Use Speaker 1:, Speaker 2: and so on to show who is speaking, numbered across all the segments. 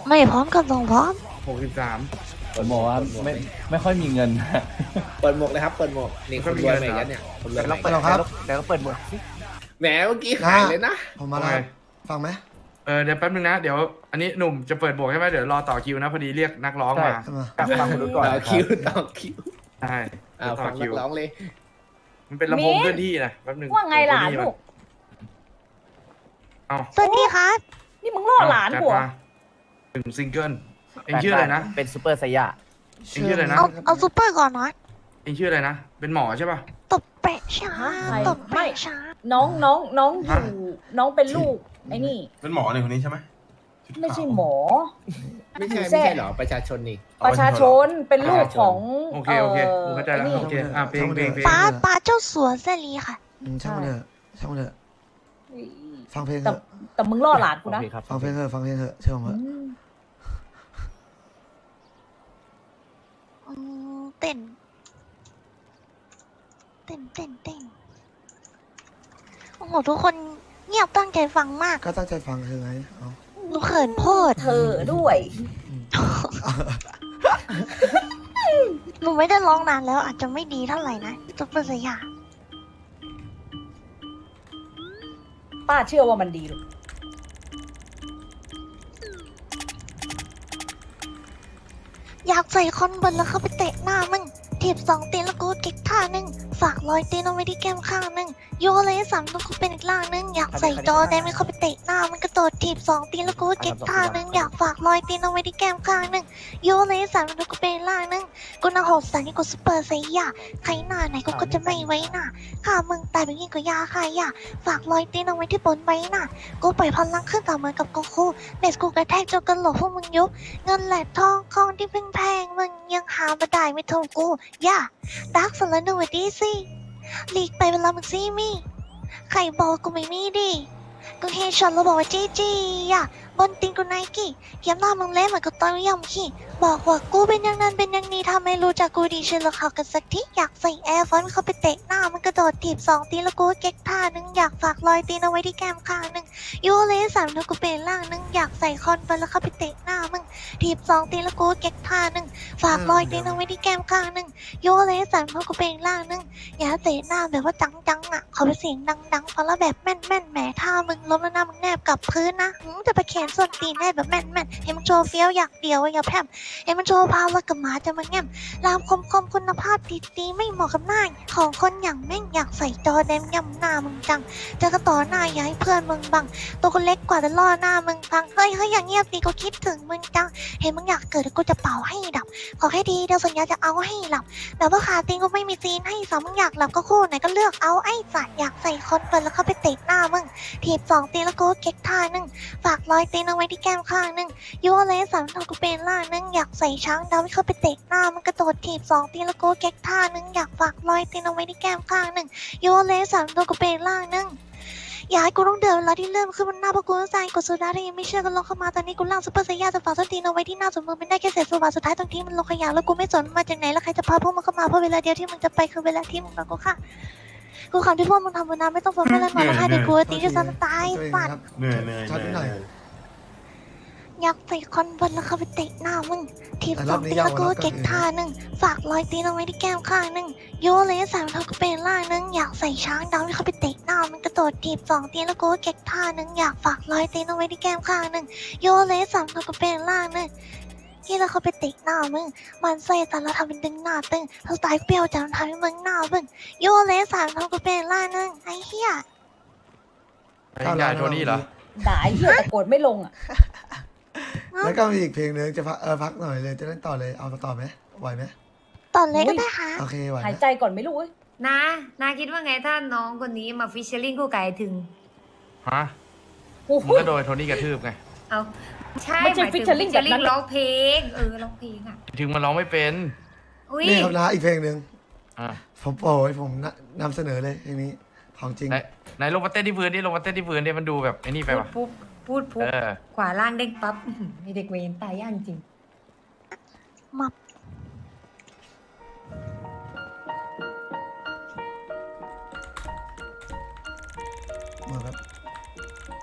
Speaker 1: ไม่พร้อมกับส่งพร้อม
Speaker 2: 63
Speaker 3: ผมบอกว่าไม่ค่อยมีเงิน
Speaker 4: เปิดหมวกเลยครับเปิดหมวกนี่คนรวยใหม่ยันเนี่ยคนรวยใหม่
Speaker 5: เปิดแล้วครับ
Speaker 2: เดี๋ยวก็เปิดหมด
Speaker 4: แหมเมื่อกี้หายเลยนะ
Speaker 5: ผมมาแล้วฟังไหม
Speaker 2: เดี๋ยวแป๊บนึงนะเดี๋ยวอันนี้หนุ่มจะเปิดบวกใช่ไหมเดี๋ยวรอต่อคิวนะพอดีเรียกนักร้องมา
Speaker 5: ใช่ไหม
Speaker 3: ฟังคุณก่อน
Speaker 4: ต่อคิวต่อคิว
Speaker 2: ใช่ต่
Speaker 4: ฟั
Speaker 2: อง คิ
Speaker 4: นั
Speaker 2: ว
Speaker 4: กร้องเลย
Speaker 2: มันเป็นลำโพงเคลื่อนที่นะแป๊บนึง
Speaker 6: ว่าไงหลานลูก
Speaker 2: เอา
Speaker 1: สวัสดีครับ
Speaker 6: นี่มึงล่อหลาน
Speaker 2: จัด
Speaker 6: กูเหรอ
Speaker 2: มาถึงซิงเกิลเองชื่ออะไรนะ
Speaker 3: เป็นซูเปอร์ไซย่า
Speaker 2: เองชื่ออะไรนะ
Speaker 1: เอาซูเปอร์ก่อนนะ
Speaker 2: เองชื่ออะไรนะเป็นหมอใช่ป่ะ
Speaker 1: ตบเปะช้าตบเปะช้า
Speaker 6: น้องอยู่น้องเป็นลูกไอ้นี่
Speaker 7: เป็นหมอเนี่ยคนนี้ใช่ไหม
Speaker 6: ไม่ใช่หมอ
Speaker 4: ไม่ใช่เหรอประชาชนนี่
Speaker 6: ประชาชนเป็นลูกของ
Speaker 2: โอเคกูเข้าใจแล้วโอเคเพลง
Speaker 1: ป้าเจ้าสัวเสรีค่ะ
Speaker 5: ช่างมันเถอะช่างมันเถอะฟังเพลงเถ
Speaker 6: แต่
Speaker 5: อะ
Speaker 6: แต่มึงล่อหลานกูนะ
Speaker 5: ฟังเพลงเถอะฟังเพลงเถอะเชื่อผมเถอะ
Speaker 1: เต้นโอ้โหทุกคนเงียบตั้งใจฟังมาก
Speaker 5: ก็ตั้งใจฟังคือไงเอา
Speaker 1: หนูเขินโพด
Speaker 6: เธอด้วย
Speaker 1: หนูไม่ได้ร้องนานแล้วอาจจะไม่ดีเท่าไหร่นะซุปเปอร์สยาม
Speaker 6: ป้าเชื่อว่ามันดีลูก
Speaker 1: อยากใส่คอนบนแล้วเข้าไปเตะหน้ามึงถีบ2 ตีนแล้วกูเก็กท่านึงฝากรอยตีนเอาไว้ที่แก้มข้างนึงโยเลย3แล้วกูเป็นอีกล่างนึงอยากใส่จอแดงไม่เข้าไปเตะหน้ามันกระโดดถีบ2 ตีนแล้วกูเก็กท่านึงอยากฝากรอยตีนเอาไว้ที่แก้มข้างนึงโยเลย3แล้วกูเป็นอีกล่างนึงกูน่าโหดสันนี่กูซุปเปอร์ไซย่าใครหน้าไหนกูก็จะไม่ไว้หน้าข้ามึงตายไปยิ่งกว่ายาใครย่าฝากรอยตีนเอาไว้ที่บนใบหน้ากูปล่อยพลังขึ้นต่อเหมือนกับโกคูเบสกูกระแทกจนกระโหลกพวกมึงยุบเงินแหลกทองของที่เพิ่งแพงมึงยังหามาได้ไม่เท่ากูย่าดักสลันดูดีสิหลีกไปเวลามึงซีมี่ใครบอกกูไม่มีดีกูเฮช็อตแล้วบอกว่าจีจีย่าบนตีนกูไนกี้เขียนหน้ามึงเละเหมือนกับตอนยำขี้บอกว่ากูเป็นอย่างนั้นเป็นอย่างนี้ทำให้รู้จักกูดีเชื่อแล้วเขากันสักทีอยากใส่แอร์ฟอนเข้าไปเตะหน้ามันกระโดดถีบ2 ตีแล้วกูเก๊กท่านึงอยากฝากรอยตีนเอาไว้ที่แก้มข้างนึงยูเล3แล้วกูเป็นล่างนึงอยากใส่คอนไปแล้วเข้าไปเตะหน้ามึงถีบ2 ตีแล้วกูเก๊กท่านึงฝากรอยตีนเอาไว้ที่แก้มข้างนึงยูเล3แล้วกูเป็นล่างนึงอย่าเตะหน้าแบบว่าจังๆอ่ะขอเป็นเสียงดังๆฟังแล้วแบบแม่นๆแหมท่ามึงล้มแล้วหน้ามึงแนบกับพื้นนะจะไปแขนส้นตีนได้แบบแม่นๆให้มันโชว์เฟี้ยวอยากเดียวอย่าแพร่มให้มันโชว์พาวแล้วกับหมาจะมาแง้มรามคมคุณภาพดีๆไม่เหมาะกับหน้าของคนอย่างแม่งอยากใส่จอแดงย่ำหน้ามึงจังจะกระต่อหน้าอย่าให้เพื่อนมึงบังตัวคนเล็กกว่าแต่ล่อหน้ามึงพังเฮ้ยอย่างเงียบดีก็คิดถึงมึงจังเห็นมึงอยากเกิดกูจะเป่าให้ดับขอแค่ดีเดี๋ยวสัญญาจะเอาให้หลับแต่ว่าขาตีนก็ไม่มีซีนให้สองมึงอยากหลับก็คู่ไหนก็เลือกเอาไอ้สัตว์อยากใส่คอนเปิดแล้วเข้าไปเตะหน้ามึงถีบ2 ตีแล้วกูเก๊กท่านึงฝากรอยตีนเอาไว้ที่แก้มข้างนึงยูเล3ทำกูเป็นล่างนึงอยากใส่ช้างดาวเข้าไปเตะหน้ามันกระโดดถีบ2 ตีแล้วกูเก๊กท่านึงอยากฝากรอยตีนเอาไว้ที่แก้มข้างนึงยูเล3ตัวกูเป็นล่างนึงอย่าให้กูต้องเดินเวลาที่เริ่มขึ้นบนหน้าเพราะกูต้องใจกดโซดาถ้ายังไม่เชื่อก็ลองเข้ามาตอนนี้กูล่างซุปเปอร์ไซย่าจะฝากส้นตีนเอาไว้ที่หน้าส่วนมึงเป็นได้แค่เศษโซบาสุดท้ายตรงที่มันลงขยะแล้วกูไม่สนมาจากไหนแล้วใครจะพาพวกมึงเข้ามาเพราะเวลาเดียวที่มึงจะไปคือเวลาที่มึงกับกูค่ะกูคำที่พวกมึงทำบนน้ำไม่ต้องฟังไม่เล่นมาแล้วค่ะเดี๋ยวกูตีจะซ้ำตายสัตว์
Speaker 7: เหนื่อย
Speaker 5: ชัดนิดหน่อย
Speaker 1: อยากใส่คอนบนแล้วเข้าไปเตะหน้ามึงทีบ2 ตีแล้วกูเก็กท่านึงฝากรอยตีนเอาไว้ที่แก้มข้างนึงโยเลย3ทำกูเป็นล่างนึงอยากใส่ช้างดาวที่เข้าไปเตะหน้ามันกระโดดทีบ2 ตีแล้วกูเก็กท่านึงอยากฝากรอยตีนเอาไว้ที่แก้มข้างนึงโยเลย3ทำกูเป็นล่างนึงที่เราเข้าไปเตะหน้ามึงมันใส่แต่เราทำเป็นดึงหน้าตึงเราตายเปรี้ยวจังทำให้มึงหน้าบึ้งโยเลย3ทำกูเป็นล่างนึงไอ้เหี้ย
Speaker 2: ไอ้ยายโทนี่เหรอ
Speaker 6: ด่าไอ้เหี้ยแต่โกรธไม่ลงอ่ะ
Speaker 5: แล้วก็มีอีกเพลงนึงจะพักหน่อยเลยจะเล่นต่อเลยเอาต่อไหมไหวไหม
Speaker 1: ตอนเล็กก็ได้ค่ะ
Speaker 5: โอเคไหว
Speaker 6: หาย
Speaker 5: นะ
Speaker 6: ใจก่อนไม่รู้เว้ย
Speaker 8: นาคิดว่าไงถ้าน้องคนนี้มาฟิชเชอร์ลิงคู่ไก่ถึง
Speaker 2: ฮะ
Speaker 6: โอ้
Speaker 2: มึ
Speaker 6: โห
Speaker 2: งก็โดนโทนี่กระทืบไง
Speaker 8: เอาใช่
Speaker 6: ไม่ใช่
Speaker 8: หายถึง
Speaker 6: featuring แบบนั้น
Speaker 8: ร้องเพลงร้องเพลงอ่ะ
Speaker 2: ถึงมันร้องไม่เป็น
Speaker 8: อุ้ย
Speaker 5: นี่ครับนะอีกเพลงหนึ่ง
Speaker 2: อ่า
Speaker 5: ผมโปรยผมนำเสนอเลยเพลงนี้ของจริง
Speaker 2: ไหนลงมาเต้นที่พื้นดิลงมาเต้นที่พื้นดิมันดูแบบไอ้นี่ไป
Speaker 8: พูด
Speaker 2: วะ
Speaker 8: ปุ๊บพูดปุ๊บ
Speaker 2: เออ
Speaker 8: ขวาล่างเด้งปั๊บอื้อหือมีเด็กเวรตายย่างจริง
Speaker 1: มับ
Speaker 5: เหมือนแบบ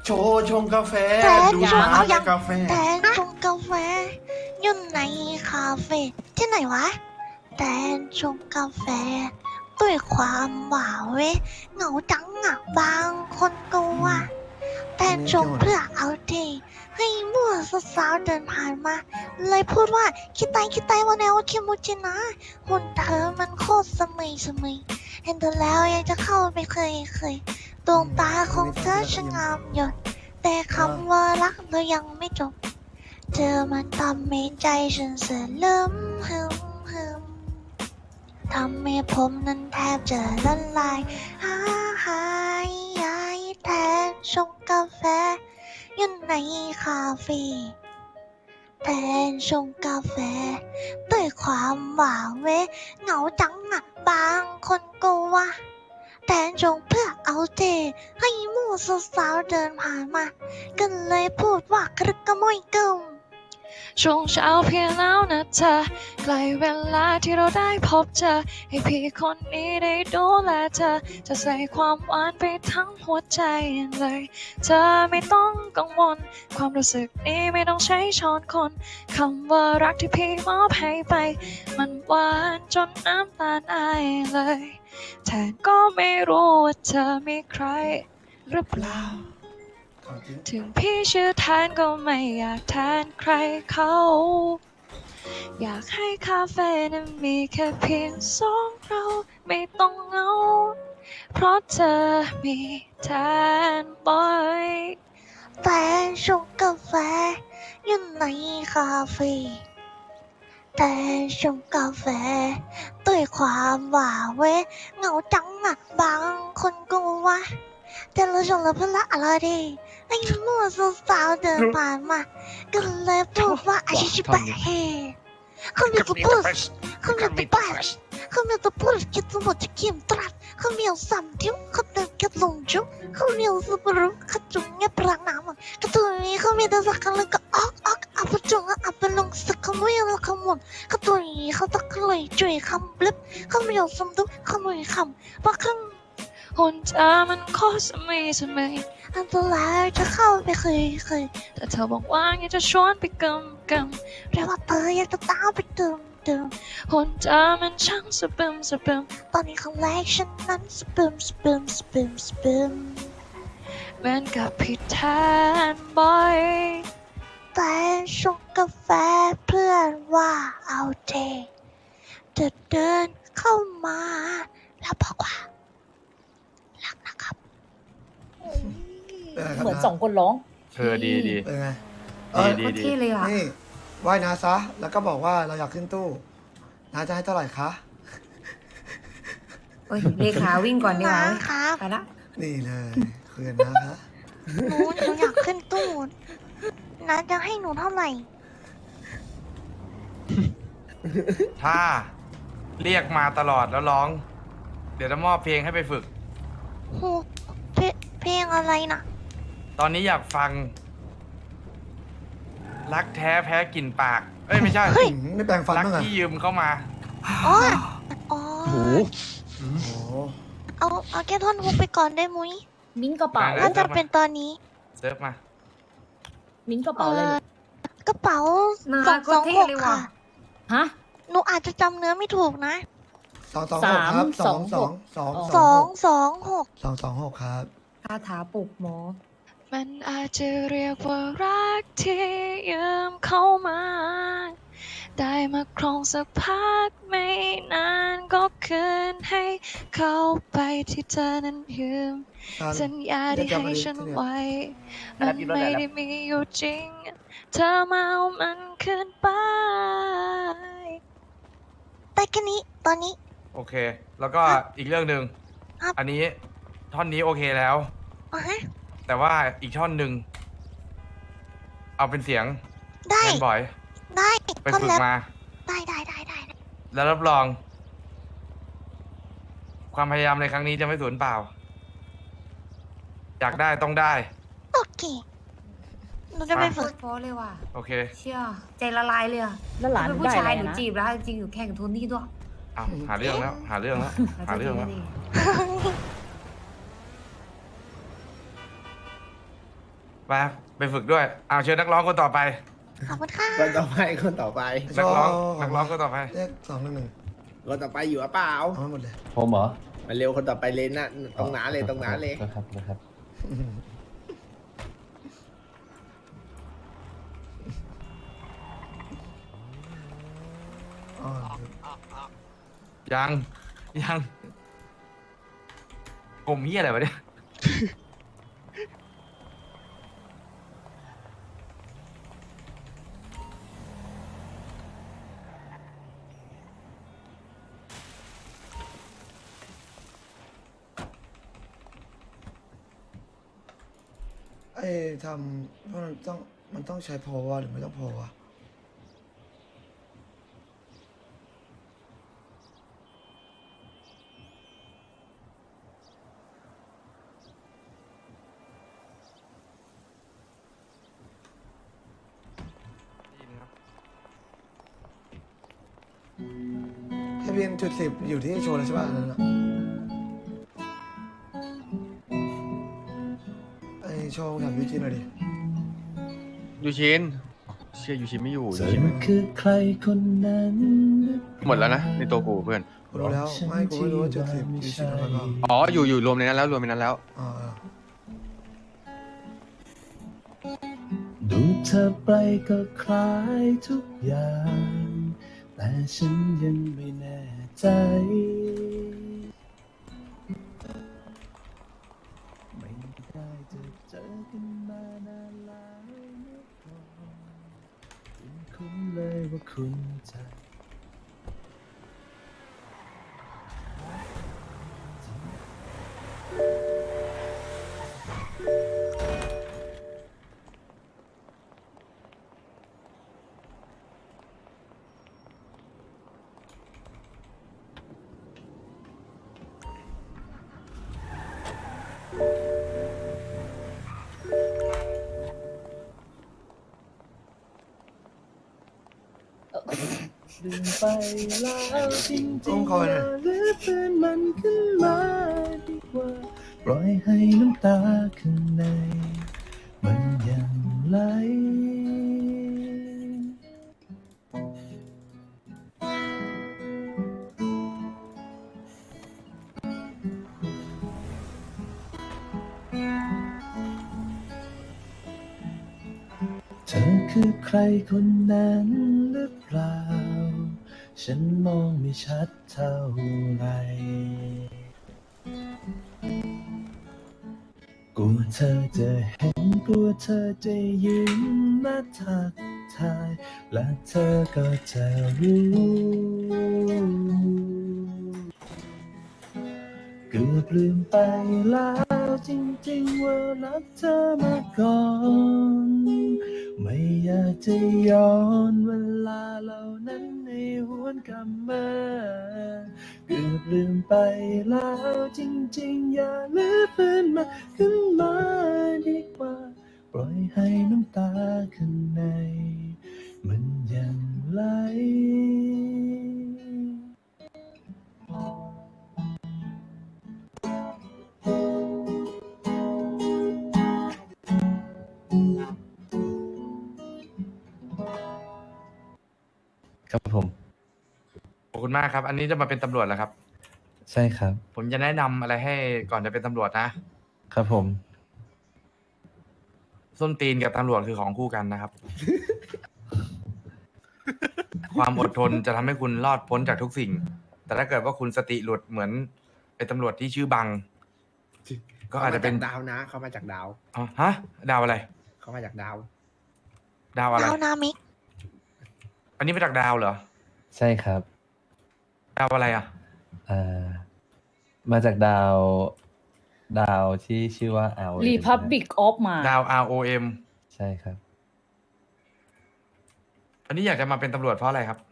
Speaker 7: โชว์ชงกาแฟ
Speaker 1: แทน
Speaker 7: ดู
Speaker 1: ชง
Speaker 7: ร้า
Speaker 1: เอา
Speaker 7: น
Speaker 1: ยัง
Speaker 7: กาแฟ
Speaker 1: แทนชงกาแฟอยู่ในคาเฟ่ที่ไหนวะแทนชงกาแฟด้วยความหวานเว้ยเหงาจังอ่ะบางคนก็ว่าแทนชงเพื่อเอาทีให้มั่วสาวๆเดินผ่านมา เลยพูดว่าคิดไตวันแนวคิมูจินะหุ่นเธอมันโคตรสมัยเห็นเธอแล้วยังจะเข้าไปเคยดวงตาของเธอช่างงามหยดแต่คำว่ารักเรายังไม่จบ เธอมันทำให้ใจฉันเสื่อมลืมฮึมทำให้ผมนั้นแทบจะละลายหายแทนชงกาแฟอยู่ในคาเฟ่แทนชงกาแฟด้วยความหวานเว้เหงาจังอ่ะบางคนก็ว่าแทนชงเพื่อเอาเทให้มู่สาวๆเดินผ่านมาก็เลยพูดว่ากระกระมอยกึม
Speaker 9: ช่วงเช้าเพียงแล้วนะเธอใกล้เวลาที่เราได้พบเจอให้พี่คนนี้ได้ดูแลเธอจะใส่ความหวานไปทั้งหัวใจเลยเธอไม่ต้องกังวลความรู้สึกนี้ไม่ต้องใช้ช้อนคนคำว่ารักที่พี่มอบให้ไปมันหวานจนน้ำตาลอายเลยแทนก็ไม่รู้ว่าเธอมีใครหรือเปล่าถึงพี่ชื่อแทนก็ไม่อยากแทนใครเขา อยากให้คาเฟ่นั้นมีแค่เพียงสองเราไม่ต้องเหงาเพราะเธอมีแทนบ่อย
Speaker 1: แต่ชงกาแฟอยู่ในคาเฟ่แต่ชงกาแฟด้วยความหวานเว้เหงาจังอ่ะบางคนก็ว่าแต่เราชงแล้วเพื่อละอะไรดีไอ้มั่วสาวๆเดินผ่านมาก็เลยพูดว่าอาชิบะเฮเขามีตัวพูดเขามีตัวบ้าเขามีตัวพูดคิดสมบูรณ์จะเขียมตรัสเขามีเอาสัมทิวเขาเดินกัดลงจุกเขามีเอาสุบรุเขาจุงเงียบรักน้ำกระตุ้นนี้เขามีแต่สักกันเลยก็ออกอับจุงอับลงสักขโมยแล้วขมุนกระตุ้นนี้เขาตะเลยจุยคำบลิบเขามีเอาสมดุขโมยคำว่าครั้ง
Speaker 9: หุ่นเธอมันโคตรสมัย
Speaker 1: อันตรายจะเข้าไปเคย
Speaker 9: แต่เธอบอกว่าอยากจะชวนไปกำ
Speaker 1: เรียกว่าเธออยากจะตามไปเติม
Speaker 9: หุ่นเธอมันช่างสะบึม
Speaker 1: ตอนนี้ครั้งแรกฉันนั้นสปึม
Speaker 9: เหมือนกับพี่แทนบ่อย
Speaker 1: แต่ชงกาแฟเพื่อนว่าเอาเทจะเดินเข้ามาแล้วบอกว่ารักนะครับ
Speaker 6: เหมือนสองคนร้อง
Speaker 2: ดี
Speaker 5: เป็นไง
Speaker 2: ดี
Speaker 8: โคตรเท่เลยอ่ะ
Speaker 5: นี่ไหว้นาซะ แล้วก็บอกว่าเราอยากขึ้นตู้นาจะให้เท่าไหร่คะ
Speaker 8: โอ้ยเลขาวิ่งก่อนดีกว่า
Speaker 1: นะครับ
Speaker 8: ไปละ
Speaker 5: นี่เลยคุยกันนะคะ
Speaker 1: หนูอยากขึ้นตู้นะจะให้หนูเท่าไหร่
Speaker 2: ถ้าเรียกมาตลอดแล้วร้อง เดี๋ยวจะมอบเพลงให้ไปฝึก
Speaker 1: โหเพลงอะไรนะ
Speaker 2: ตอนนี้อยากฟัง รักแท้แพ้กลิ่นปาก เอ้ยไม่ใช่
Speaker 5: ไม่แปลงฟัน
Speaker 2: รัก
Speaker 5: บ้างเหรอ
Speaker 2: ที่ยืมเข้ามา
Speaker 1: อ๋อ
Speaker 5: โอ้โห
Speaker 1: เอาแค่ท่อนฮุกไปก่อนได้มุ้ย
Speaker 6: มิ้นกระเป๋า
Speaker 2: ได้
Speaker 1: ถ้าจะเป็นตอนนี้
Speaker 2: เซิร์ฟมา
Speaker 6: มิ้นกระเป๋าอะไรลูก
Speaker 1: กระเป๋า
Speaker 8: น่า
Speaker 1: สอง
Speaker 8: โค
Speaker 1: ส
Speaker 8: ต
Speaker 1: อ
Speaker 8: รง เท่
Speaker 1: หก
Speaker 8: เลย
Speaker 1: ค่ะ
Speaker 8: ว่ะ
Speaker 6: ฮะ
Speaker 1: หนูอาจจะจำเนื้อไม่ถูกนะ
Speaker 5: 226ครับ226ครับ
Speaker 8: คาถาปลุกหมอ
Speaker 9: มันอาจจะเรียกว่ารักที่ยืมเข้ามา ได้มาครองสักพักไม่นานก็คืนให้เข้าไปที่เธอนั้นยืม สัญญาที่ให้ฉันไว้ มันไม่ได้มีอยู่จริง เธอมาเอามันคืนไป
Speaker 1: แต่แค่นี้ตอนนี้
Speaker 2: โอเค แล้วก็อีกเรื่องหนึ่ง
Speaker 1: ครับ
Speaker 2: อันนี้ท่อนนี้โอเคแล้ว
Speaker 1: อ่ะฮะ
Speaker 2: แต่ว่าอีกท่อนหนึ่งเอาเป็นเสียง
Speaker 1: ได้
Speaker 2: แมนบอย
Speaker 1: ได้
Speaker 2: ไป
Speaker 1: ท่อน
Speaker 2: ฝึก
Speaker 1: แล้ว
Speaker 2: มา
Speaker 1: ได้
Speaker 2: แล้วรับรอง ความพยายามในครั้งนี้จะไม่สูญเปล่า อยากได้ต้องได้
Speaker 1: โอเคหนูจะไป
Speaker 8: โค
Speaker 1: ฝึก
Speaker 8: ตรเพราะเลยว่ะ
Speaker 2: โอเค
Speaker 8: เชี่ยใจละลายเลยอ่ะ
Speaker 6: แล้วหลาน
Speaker 8: เป็น
Speaker 6: ได้
Speaker 8: ผู้
Speaker 6: อะ
Speaker 8: ชา
Speaker 6: ไร
Speaker 8: ยหนู
Speaker 6: นะ
Speaker 8: จีบแล้วจริงๆอยู่แข่งโทนี่ด้วย
Speaker 2: เอาหาเรื่องแล้ว หาเรื่องแล้ว หาเรื่องแล้ว
Speaker 8: ด
Speaker 2: ไปฝึกด้วยเอาเชิญนักร้องคนต่อไป
Speaker 1: ขอบคุณค่ะ
Speaker 4: คนต่อไปคนต่อไป
Speaker 2: นักร้องคนต่อไป
Speaker 5: เลข211
Speaker 4: คนต่อไปอยู่หรือเปล่า
Speaker 5: เอาให้หมดเลย
Speaker 3: ผมเหรอ
Speaker 4: มาเร็วคนต่อไปเลยนะตรงหนาเลยตรงหนาเลย
Speaker 3: นะครับ
Speaker 5: อ๋อ
Speaker 2: ยังผมเฮียอะไรวะเนี่ย
Speaker 5: ไอ้ทำเพราะมันต้องใช้พอวะหรือไม่ต้องพอวะ ทะเบียนจุด10อยู่ที่โชว์แล้วใช่ป่ะอันนั้นอะไอโชว์ถามยูจินหน่อยดิ
Speaker 7: ยูชินเชื่อยูชินไม่อยู่
Speaker 3: เธ
Speaker 7: ยู
Speaker 3: อ
Speaker 7: ชินไม่
Speaker 3: คือใครคนนั้น
Speaker 7: หมดแล้วนะในตัวกูเพื่อน
Speaker 5: กูรู้แล้วไม่กูไม่รู้ว่าจุด10ยูจินอะไรบ้าง
Speaker 7: อ๋ออยู่รวมในนั้นแล้วรวมในนั้นแล้ว
Speaker 5: อ๋อ
Speaker 3: ดูเธอไปก็คล้ายทุกอย่าง แต่ฉันยังไม่แน่ใจ ไม่ได้จะเจอกันมานานแล้วเมื่อก่อนคุ้นเลยว่าคุณใจ ลืมไปแล้วจริงๆอย่าลืมฟื้นมันขึ้นมาดีกว่าปล่อยให้น้ำตาข้างในมันยังไหลเธอคือใครคนนั้นหรือเปล่า ฉันมองไม่ชัดเท่าไหรกลัวเธอจะเห็นกลัวเธอจะยิ้มและทักทาย และเธอก็จะรู้เกือบลืมไปแล้วจริงๆว่ารักเธอมาก่อน ไม่อยากจะย้อนเวลาเหล่านั้นให้หวนกลับมาเกือบลืมไปแล้วจริงๆอย่าลืมฟื้นมาขึ้นมาดีกว่าปล่อยให้น้ำตาข้างในมันยังไหล ครับผม
Speaker 2: ขอบคุณมากครับ อันนี้จะมาเป็นตำรวจแล้วครับ
Speaker 3: ใช่ครับ
Speaker 2: ผมจะแนะนำอะไรให้ก่อนจะเป็นตำรวจนะ
Speaker 3: ครับผม
Speaker 2: ส้นตีนกับตำรวจคือของคู่กันนะครับ ความอดทนจะทำให้คุณรอดพ้นจากทุกสิ่ง แต่ถ้าเกิดว่าคุณสติหลุดเหมือนเป็นตำรวจที่ชื่อบัง ก็อาจจะเป็น
Speaker 4: ดาวนะเขามาจากดาว
Speaker 2: อ๋อฮะ ดาวอะไร
Speaker 4: เขามาจากดาว
Speaker 2: ดาวอะไร
Speaker 1: ดาวนามิก
Speaker 2: อันนี้มาจากดาวเหรอ
Speaker 3: ใช่ครับ
Speaker 2: ดาวอะไรอ่ะ
Speaker 3: มาจากดาวที่ชื่อว่าเอา
Speaker 6: Republic of มา
Speaker 2: ดาว ROM
Speaker 3: ใช่ครับ
Speaker 2: อันนี้อยากจะมาเป็นตำรวจเพราะอะไรครับ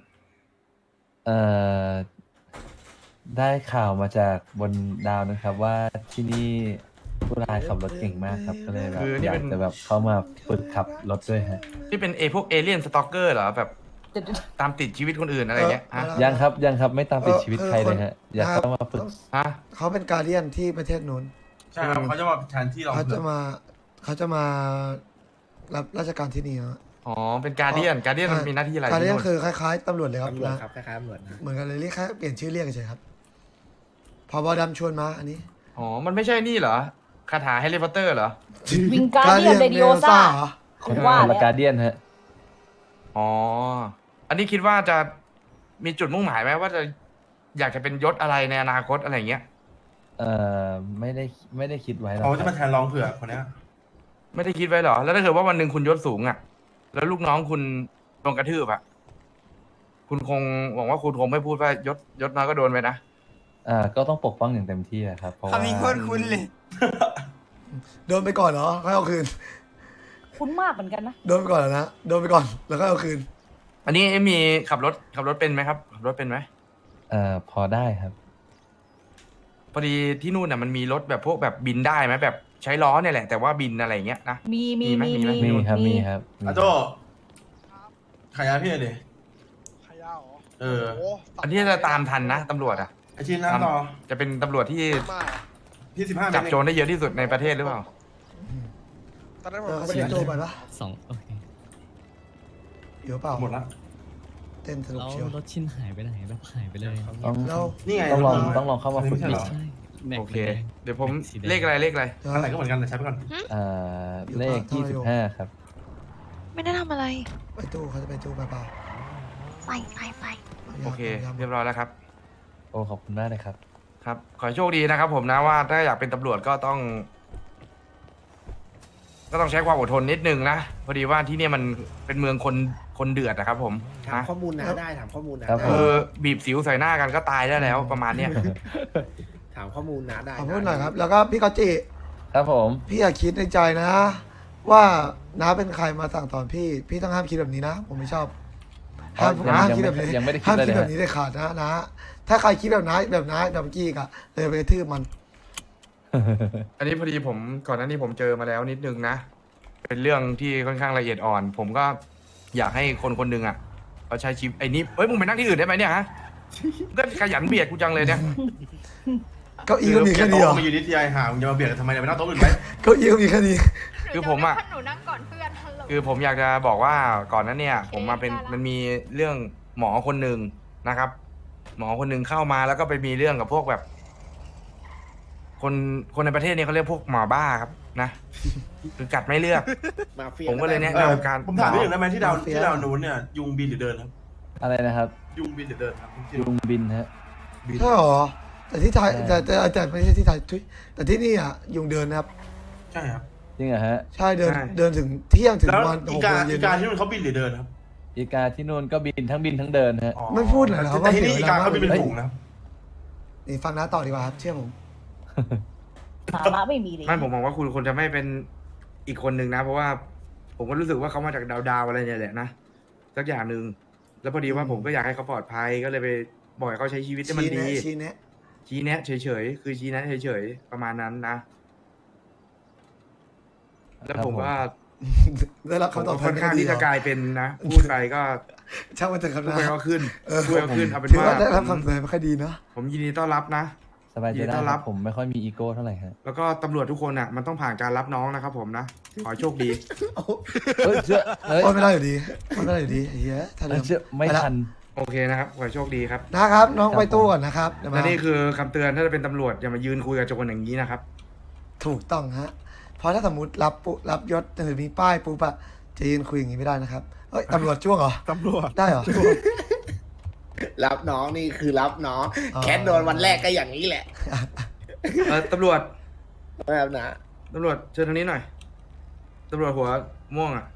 Speaker 3: ได้ข่าวมาจากบนดาวนะครับ ว่าที่นี่ผู้ร้ายขับรถเก่งมากครับ ก็เลยแบบ
Speaker 2: คือนี่
Speaker 3: อยา
Speaker 2: เป็
Speaker 3: ก
Speaker 2: น
Speaker 3: จะแบบเข้ามาฝึกขับรถด้วยฮะ
Speaker 2: ที่เป็นพวกเอเลี่ยนสตอกเกอร์เหรอ แบบตามติดชีวิตคนอื่นอะไรเงี้ยฮะ
Speaker 3: ยังครับไม่ตามติดชีวิตใครเลยฮะ อยากเข้ามาฝึก
Speaker 2: ฮะ
Speaker 5: เขาเป็นการเดียนที่ประเทศนู้น
Speaker 10: ใช่ครับเขาจะมาแทนที่เรา
Speaker 5: เขาจะมาเขาจะมารับราชการที่นี่ฮะ
Speaker 2: อ๋อเป็นการเดียนมันมีหน้าที่อะไร
Speaker 5: การเรียก
Speaker 2: ที่นู่น
Speaker 5: คือคล้ายๆตำรวจเลยครับ
Speaker 4: ตำรวจ
Speaker 5: นะครับ
Speaker 4: คล้ายๆตำรวจนะ
Speaker 5: เหมือนกันเลยเรียกแค่เปลี่ยนชื่อเรียกเฉยๆครับพบดำชวนมาอันนี้
Speaker 2: อ๋อมันไม่ใช่นี่เหรอคาถาแฮร์รี่พอตเตอร์เหรอ
Speaker 6: วิงการเดียนเรดิโอซ่า
Speaker 5: เหรอ
Speaker 6: คุณว่า
Speaker 3: ละ
Speaker 6: แล้ว
Speaker 3: การเดียนฮะ
Speaker 2: อ๋ออันนี้คิดว่าจะมีจุดมุ่งหมายไหมว่าจะอยากจะเป็นยศอะไรในอนาคตอะไรอย่างเงี้ย
Speaker 3: ไม่ได้คิดไว้หรอก
Speaker 10: เขาจะมาแทนรองเผือกคนเนี้ย
Speaker 2: ไม่ได้คิดไว้เหรอ แล้วถ้าเกิดว่าวันหนึ่งคุณยศสูงอ่ะ แล้วลูกน้องคุณโดนกระทืบอ่ะ คุณคงหวังว่าคุณคงไม่พูดว่ายศน้อยก็โดนไปนะ
Speaker 3: ก็ต้องปกป้องอย่างเต็มที่อะครับเพราะว่า
Speaker 5: โดนไปก่อนเหรอค่อยเอาคืน
Speaker 6: คุ้นมากเหมือนกันนะ
Speaker 5: โดนไปก่อนเหรอนะโดนไปก่อนแล้วก็เอาคืน
Speaker 2: อันนี้มีขับรถเป็นไหมครับขับรถเป็นไหม
Speaker 3: พอได้ครับ
Speaker 2: พอดีที่นู่นน่ะมันมีรถแบบพวกแบบบินได้ไหมแบบใช้ล้อเนี่ยแหละ แต่ว่าบินอะไรอย่างเงี้ยนะ
Speaker 6: มี
Speaker 2: มีไหม
Speaker 3: มีครับมีครับมี
Speaker 10: อาโจขายยาพี่หน่อยดิ
Speaker 7: ขยะเหรอ
Speaker 10: เออ
Speaker 7: โอ้
Speaker 2: อันนี้จะตามทันนะตำรวจอ่ะ
Speaker 10: ไอชิ้นน้ำต่อ
Speaker 2: จะเป็นตำรวจที่
Speaker 7: มาก
Speaker 10: พี่15
Speaker 2: จับโจรได้เยอะที่สุดในประเทศหรือเปล่า
Speaker 7: ตอนนั้นผ
Speaker 5: เอ
Speaker 7: ม
Speaker 5: อเขา
Speaker 7: ก็
Speaker 5: ไป
Speaker 7: ไม่
Speaker 5: เล่น
Speaker 7: ได้
Speaker 5: โจไปปะ
Speaker 11: โอเค
Speaker 5: อยู่เปล่า
Speaker 10: หมดละ
Speaker 5: เต้นสนุก
Speaker 11: แล้ว
Speaker 5: เชียว
Speaker 11: รถชิ้นหายไปไหนแบบหายไปเลย
Speaker 3: ต้อง
Speaker 5: แล้ว
Speaker 10: นี่ไง
Speaker 3: ต้องลองเข้ามาฝึก
Speaker 10: อัน
Speaker 3: ดิ
Speaker 10: นี้ไม่ใช่เหรอ
Speaker 11: แม็ก
Speaker 2: โอเค
Speaker 11: แดง
Speaker 2: เดี๋ยวผม
Speaker 11: สีแดง
Speaker 2: เลขอะไร
Speaker 10: อันไหนก็เหมือนกันแต่ใช้ไปก่อน
Speaker 3: เลข25ครับ
Speaker 9: ไม่ได้ทำอะไร
Speaker 5: ไปตู้เขาจะไปตู้เปล่า
Speaker 1: ไปไปไป
Speaker 5: ๆ
Speaker 2: โอเค
Speaker 5: ยำ
Speaker 2: เรียบร้อยแล้วครับ
Speaker 3: โอ้ขอบคุณมากเลยครับ
Speaker 2: ครับ ขอให้โชคดีนะครับผมนะว่าถ้าอยากเป็นตำรวจก็ต้องใช้ความอดทนนิดนึงนะพอดีว่าที่เนี่ยมันเป็นเมืองคนเดือดนะครับผม
Speaker 4: ถาม
Speaker 2: นะ
Speaker 4: ข้อมูลนะได้ถามข้อมูลนะครับ
Speaker 3: ผม
Speaker 2: คือบีบสิวใส่หน้ากันก็ตายได้แล้วประมาณเนี้ย
Speaker 4: ถามข้อมูลนะได้
Speaker 5: ขอพูดหน่อยครับ แล้วก็พี่กอจิ
Speaker 3: ครับผม
Speaker 5: พี่อย่าคิดในใจนะ ว่าน้าเป็นใครมาสั่งสอนพี่ต้องห้ามคิดแบบนี้นะ ผมไม่ชอบห้าม
Speaker 3: ยัง
Speaker 5: ห้ามคิดแบบนี้
Speaker 3: ยังไม่ได้คิด
Speaker 5: ห้าม
Speaker 3: เลย
Speaker 5: คิด
Speaker 3: นะ
Speaker 5: แบบนี้ได้ขาดนะ ถ้าใครคิดแบบน้าแบบเมื่อกี้อะเลยไปกระทืบมัน
Speaker 2: อันนี้พอดีผมก่อนหน้านี้ผมเจอมาแล้วนิดนึงนะ เป็นเรื่องที่ค่อนข้างละเอียดอ่อน ผมก็อยากให้คนคนหนึ่งอ่ะเขาใช้ชีวิตไอ้นี่เฮ้ยมึงไปนั่งที่อื่นได้ไหมเนี่ยฮะก็ขยันเบียดกูจังเลยเนี่ย
Speaker 5: เก้าอี้ก็มีแค่นี้เหรอ
Speaker 10: มาอยู่นิตยายห่ามึงจะมาเบียดกันทำไมเนี่ยไปนั่งโต๊ะอื่นไหม
Speaker 5: เก้าอี้ก็มีแค่นี้
Speaker 2: คือผมอ่ะ
Speaker 8: หนูนั่งก่อนเพื่อนฮัลโหล
Speaker 2: คือผมอยากจะบอกว่าก่อนนั้นเนี่ย ผมมาเป็น
Speaker 8: ได้ละ
Speaker 2: มันมีเรื่องหมอคนหนึ่งนะครับ หมอคนหนึ่งเข้ามาแล้วก็ไปมีเรื่องกับพวกแบบ คนในประเทศเนี่ยเขาเรียกพวกหมอบ้าครับนะคือกัดไม่เลือก
Speaker 4: มาเฟีย
Speaker 2: ผมก็เลยแนะ
Speaker 10: เออน
Speaker 2: ำการ
Speaker 10: ผมถามนิดหนึ่งได้ไหมที่ดาวนู้นเนี่ยยุงบินหรือเดินครับ
Speaker 3: อะไรนะครับ
Speaker 10: ยุงบินหรือเดินครับจริง
Speaker 3: ยุงบินฮะ
Speaker 5: ใช่หรอ แต่ที่ไทย
Speaker 3: ใช่
Speaker 5: แต่ไม่ใช่ที่ไทยทุยแต่ที่นี่อ่ะยุงเดินนะครับ
Speaker 10: ๆใช่ครับ
Speaker 3: จริงเหรอฮะ
Speaker 5: ใช่เดินถึงเที่ยงถึง
Speaker 10: แล้ว
Speaker 5: วัน
Speaker 10: อี
Speaker 5: 6
Speaker 10: กา
Speaker 5: โมงเย็
Speaker 10: อี
Speaker 5: น
Speaker 10: กาที่นู่นเขาบินหรือเดินครับ
Speaker 3: อีกาที่นู่นก็บินทั้งเดินฮะ
Speaker 10: อ๋อ
Speaker 5: ไม่พูดเลยเหรอ
Speaker 10: แต่ที่นี่
Speaker 5: ว่าเสี
Speaker 10: อี
Speaker 5: ยเวลา
Speaker 10: กาเขาบินเป็นฝูงนะครับ
Speaker 5: นี่ฟังน้าต่อดีกว่าครับเชื่อผม
Speaker 6: สาระไม่มีเลย
Speaker 2: ไม่ผมมองว่าคุณควรจะไม่เป็นอีกคนหนึ่งนะ เพราะว่าผมก็รู้สึกว่าเขามาจากดาวอะไรเนี่ยแหละนะสักอย่างหนึ่งแล้วพอดีว่าผมก็อยากให้เขาปลอดภัยก็เลยไปบอกให้เขาใช้ชีวิตให้มันดี
Speaker 5: ชี้แนะ
Speaker 2: ชี้แนะเฉยๆคือชี้แนะเฉยๆประมาณนั้นนะ แล้วผมก็
Speaker 5: ได้รับ
Speaker 2: ผม
Speaker 5: คำต
Speaker 2: ก็
Speaker 5: อบ
Speaker 2: ค่อนข้างที่จะกลายเป็นนะพูดไปก็
Speaker 5: ช่างมันเถอะครับ
Speaker 2: พูด
Speaker 5: นะ
Speaker 2: ไปก็ขึ้น
Speaker 5: เออ
Speaker 2: พูดไปก็ขึ้นเอาเป็น
Speaker 5: ถือ
Speaker 2: ว่า
Speaker 5: ว่าได้รับคำเสนอไม่ค่อยดีเนาะ
Speaker 2: ผมยินดีต้อนรับนะ
Speaker 3: สบายใจ
Speaker 2: ยินดี
Speaker 3: ได้
Speaker 2: ต้อน
Speaker 3: ค
Speaker 2: รั
Speaker 3: รับ บผมไม่ค่อยมีอีโก้เท่าไหร่ฮะ
Speaker 2: แล้วก็ตำรวจทุกคนอ่ะมันต้องผ่านการรับน้องนะครับผมนะขอให้โชคดี
Speaker 3: เฮ้ยเชื่อเฮ้ย
Speaker 5: โอ้ยไม่ได้อยู่ดีไม่ได้อยู่ดีไอ้เหี้ยถ้าเดิม
Speaker 3: เชื่อไม่ทัน
Speaker 2: โอเคนะครับขอให้โชคดีครับ
Speaker 5: นะครับน้องไปตู้ก่อนนะครับเดี๋ยวมา
Speaker 2: และนี่คือคำเตือนถ้าจะเป็นตำรวจอย่ามายืนคุยกับโจรอย่างนี้นะครับ
Speaker 5: ถูกต้องฮะเพราะถ้าสมมติรับยศหรือมีป้ายปุ๊บอะจะยืนคุยอย่างนี้ไม่ได้นะครับเอ้ยตำรวจจ้วงเหรอ
Speaker 7: ตำรวจ
Speaker 5: ได้เหรอ
Speaker 4: รับน้องนี่คือรับน้อง
Speaker 5: อ๋อ
Speaker 4: แคทโดนวันแรกก็อย่างนี้แหละ
Speaker 2: ตำรวจ
Speaker 4: แบบนะ
Speaker 2: ตำรวจเชิญทางนี้หน่อยตำรวจหัวม่วงอ่ะ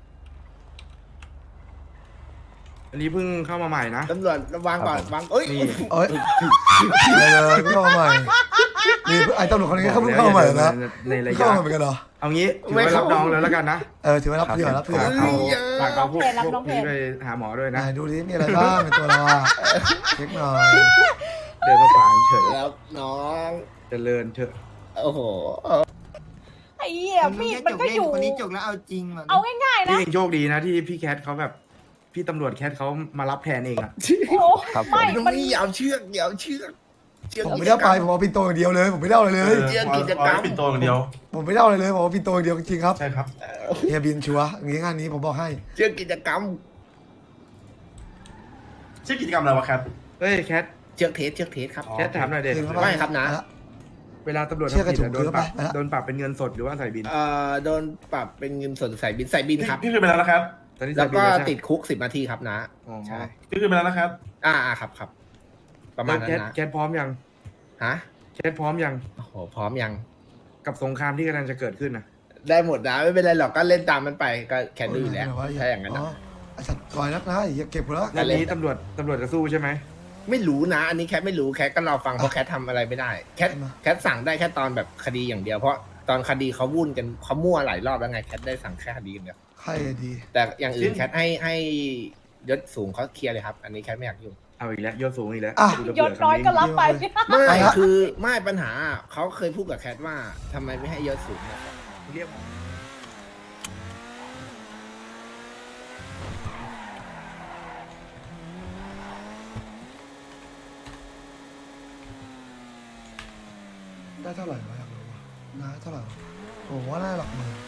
Speaker 2: อันนี้เพิ่งเข้ามาใหม่นะ
Speaker 4: ตำรวจวางก่อนวางเอ้ย
Speaker 2: นี่
Speaker 5: เอ้ยเลยเพิ่งเข้ามาใหม่มีไอ้ตำรวจคนนี้เขาเพิ่งเข้ามาใหม่เหรอนะ
Speaker 2: ในระ
Speaker 5: เข้าย
Speaker 2: ะ
Speaker 5: มาเหมือนกันเหรอ
Speaker 2: เอางี้ถือว่ารับน้องเลยแล้วกันนะ
Speaker 5: ถือว่ารับเผื่อรับเผื่อ
Speaker 2: ฝากเอาพวกนี้ไปหาหมอด้วย
Speaker 5: ไหน
Speaker 2: นะ
Speaker 5: ดูดิมีอะไรบ้างในตัวเราอะเช็คหน่อย
Speaker 2: เดินมาฝางเฉย
Speaker 4: แล้วน้อง
Speaker 2: เจริญเถอะ
Speaker 4: โอ้โห
Speaker 6: ไอ้เหี้ยมีดมันก็อยู่
Speaker 11: คนนี้จกแล้วเอาจริงมัน
Speaker 6: เอาง่ายๆ
Speaker 2: พี่
Speaker 6: นะ
Speaker 2: เองโชคดีนะที่พี่แคทเขาแบบพี่ตำรวจแคทเขามารับแทนเองอะ
Speaker 6: โอ้
Speaker 3: ครับผม
Speaker 6: ไม่
Speaker 4: น้อง
Speaker 6: มัน
Speaker 4: นี่อย่าเอาเชือกอย่าเอาเชือก
Speaker 5: ผมไม่ได้เอาไปผมเอาปินโตอย่างเดียวเลย ผมไม่ได้เอาอะไรเลย
Speaker 10: เอาไว้ปิดโตอย่างเดียว
Speaker 5: ผมไม่ได้เอาอะไรเลยผมเอาปินโตอย่างเดียวจริงๆครับ
Speaker 10: ใช่ครับ
Speaker 5: เฮียบินชัวร์อย่างนี้งานนี้ผมบอกให้
Speaker 4: เชื่อกิจกรรม
Speaker 10: ชื่อกิจกรรมอะไรวะแคท
Speaker 2: เฮ้ยแคท
Speaker 4: เชือกเทสครับ
Speaker 10: อ๋อ
Speaker 2: แคทถามหน่อยเด็ด
Speaker 4: ไม่ครับนะ
Speaker 2: เวลาตำรวจ
Speaker 5: เชื่อ
Speaker 2: ทำ
Speaker 5: กระ
Speaker 2: ผิด
Speaker 5: จุก
Speaker 2: อะโดนปรับ
Speaker 5: เยอะไป
Speaker 2: โดนปรับเป็นเงินสดหรือว่าใส่บิน
Speaker 4: โดนปรับเป็นเงินสดใส่บินครับ
Speaker 10: พี่คือไปแล้วนะครับ
Speaker 2: ตอนนี้
Speaker 4: แล้
Speaker 2: ใส่
Speaker 4: ว
Speaker 2: บิน
Speaker 4: ก็
Speaker 2: แล้วใช่ไหม
Speaker 4: ติดคุก10 นาทีครับนะ
Speaker 2: อ๋อ
Speaker 4: ใช่
Speaker 10: พี่คือไปแล้วนะครับ
Speaker 4: ครับ ประมาณนั้น
Speaker 2: แคท
Speaker 4: นะ
Speaker 2: แคทพร้อมยัง
Speaker 4: ฮะ
Speaker 2: แคทพร้อมยัง
Speaker 4: โอ้โหพร้อมยัง
Speaker 2: กับสงครามที่กำลังจะเกิดขึ้นนะ
Speaker 4: ได้หมดนะไม่เป็นไรหรอกก็เล่นตามมันไปก็แค่ดูอยู่แล้วถ้าอย่างนั้น
Speaker 5: อ๋
Speaker 4: นะ
Speaker 5: อไอ้สัตว์ปล่อยนักนะไอ้เหี้ยเก็บหมดแล้ว
Speaker 2: อันนี้ตำรวจจะสู้ใช่ไหม
Speaker 4: ไม่รู้นะ อันนี้แคทไม่รู้แคทก็รอฟังเพราะแคททำอะไรไม่ได้แคทสั่งได้แค่ตอนแบบคดีอย่างเดียวเพราะตอนคดีเขาวุ่นกันเขามั่วหลายรอบแล้วไงแคทได้สั่งแค่คดีอย่างเดียว
Speaker 5: ใครดี
Speaker 4: แต่อย่างอื่นแคทให้ยศสูงเขาเคลียร์เลยครับ อันนี้แคทไม่อยากยุ่ง
Speaker 2: เอาอีกแล้วยศสูงอีกแล้ว
Speaker 5: อ่ะ
Speaker 2: กูจะ
Speaker 6: ย
Speaker 2: เบื่
Speaker 6: ศน้อยก็รับไป
Speaker 4: ไม่
Speaker 5: ไปละ
Speaker 4: คือไม่ปัญหาเขาเคยพูดกับแคทว่าทำไมไม่ให้ยศสูงนะครับ
Speaker 2: เรียก
Speaker 5: ได้เท่าไหร่วะอยากรู้วะน้าเท่าไหร่วะผมว่าน่าหลักหมื่น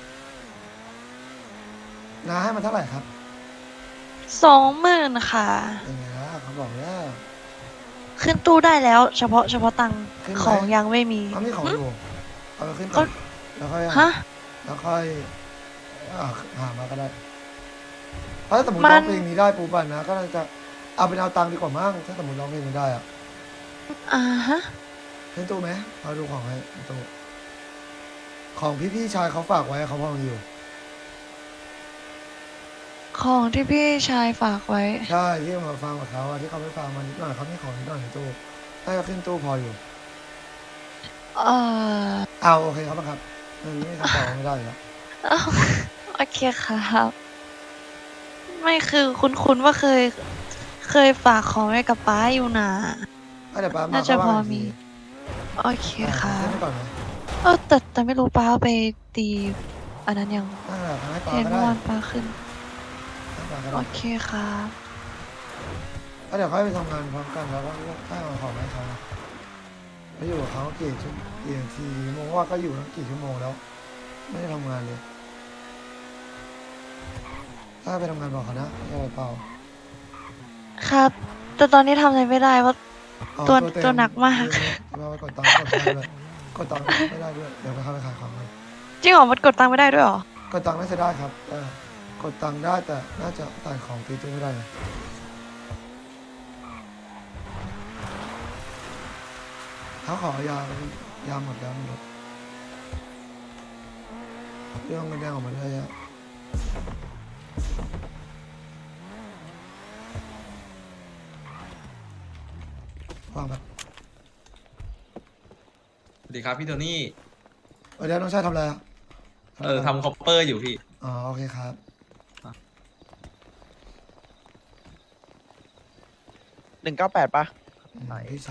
Speaker 5: น้าให้มันเท่าไหร่ครับ
Speaker 9: 20,000ค่ะ
Speaker 5: ยังไงล่ะเขาบอกแล้ว
Speaker 9: ขึ้นตู้ได้แล้ว เฉพาะตังค์
Speaker 5: ขึ้นไหม
Speaker 9: ของยังไม่มี
Speaker 5: เขาไม่ของอยู่เอาไปขึ้นก่
Speaker 9: เขา
Speaker 5: อนแล้วค่อย
Speaker 9: ฮะ
Speaker 5: แล้วค่อยหามาก็ได้เพราะถ้าสมมติ
Speaker 9: มัน
Speaker 5: ร้องเพลงนี้ได้ปูปันนะก็น่าจะเอาเป็นเอาตังค์ดีกว่ามั้งถ้าสมมติร้องเพลงนี้ได้อะ
Speaker 9: ฮะ
Speaker 5: ขึ้นตู้ไหมเอาดูของให้ขึ้นตู้ของพี่ชายเขาฝากไว้เขาพอมีอยู่
Speaker 9: ของที่พี่ชายฝากไว้
Speaker 5: ใช่ที่มาฟังกับเขาอะที่เขาไม่ฟังมานิดหน่อยเขาไม่ของนิดหน่อยในตู้ถ้าจะขึ้นตู้พออยู่ เอาโอเคครับบังครับเรื่องนี้คำตอบไม่ได้อยู่แล้ว
Speaker 9: โอเคครับ ไม่คือคุ้นว่าเคยฝากของไว้กับป้าอยู่นะ
Speaker 5: เดี๋ยวป้ามา
Speaker 9: น่าจะ
Speaker 5: ก็
Speaker 9: พอ
Speaker 5: ว่ากัน
Speaker 9: มี
Speaker 5: ที
Speaker 9: โอเคค่ะ
Speaker 5: ขึ้นไปก่อนนะ
Speaker 9: แต่ไม่รู้ป้าเอาไปตีอันนั้นยัง
Speaker 5: นั่นแหละให้ป้า
Speaker 9: เห็น
Speaker 5: ก็
Speaker 9: เมื่อ
Speaker 5: ได้
Speaker 9: วานป้าขึ้น
Speaker 5: ให้ป้าก็
Speaker 9: โอ
Speaker 5: ได้
Speaker 9: เคครับ
Speaker 5: แล้วเดี๋ยวค่อยไปทำงานพร้อมกันแล้วก็ให้เอาของให้เขาแล้วอยู่กับเขากี่นาทีกี่โมงว่าก็อยู่ตั้งกี่ชั่วโมงแล้ว ไม่ได้ทำงานเลย ถ้าไปทำงานบอกเขานะไม่อะไรเปล่า
Speaker 9: ครับ แต่ตอนนี้ทำอะไรไม่ได้ว่า
Speaker 5: อ๋อ
Speaker 9: ตัว
Speaker 5: เต็ม
Speaker 9: ตัวหนักมาก
Speaker 5: เราไปกดตังค์กดไม่ได้ด้วยกดตังค์ไม่ได้ด้วยเดี๋ยวไปเข้าไปขายของเลย
Speaker 9: จริงเหรอมันกดตังค์ไม่ได้ด้วยเหรอ
Speaker 5: กดตังค์น่าจะได้ครับกดตังค์ได้แต่น่าจะจ่ายของตีตู้ไม่ได้นะเขาขอยาหมดแล้วมันหมดเรื่องเงินแดงออกมาได้ฮะวางแบบ
Speaker 11: สวัสดีครับพี่โทนี่
Speaker 5: เดี๋ยวน้องชายทำอะไรอะ
Speaker 11: ทำคอปเปอร์อยู่พี่
Speaker 5: อ๋อโอเคครับ
Speaker 7: 198ปะ
Speaker 5: พี่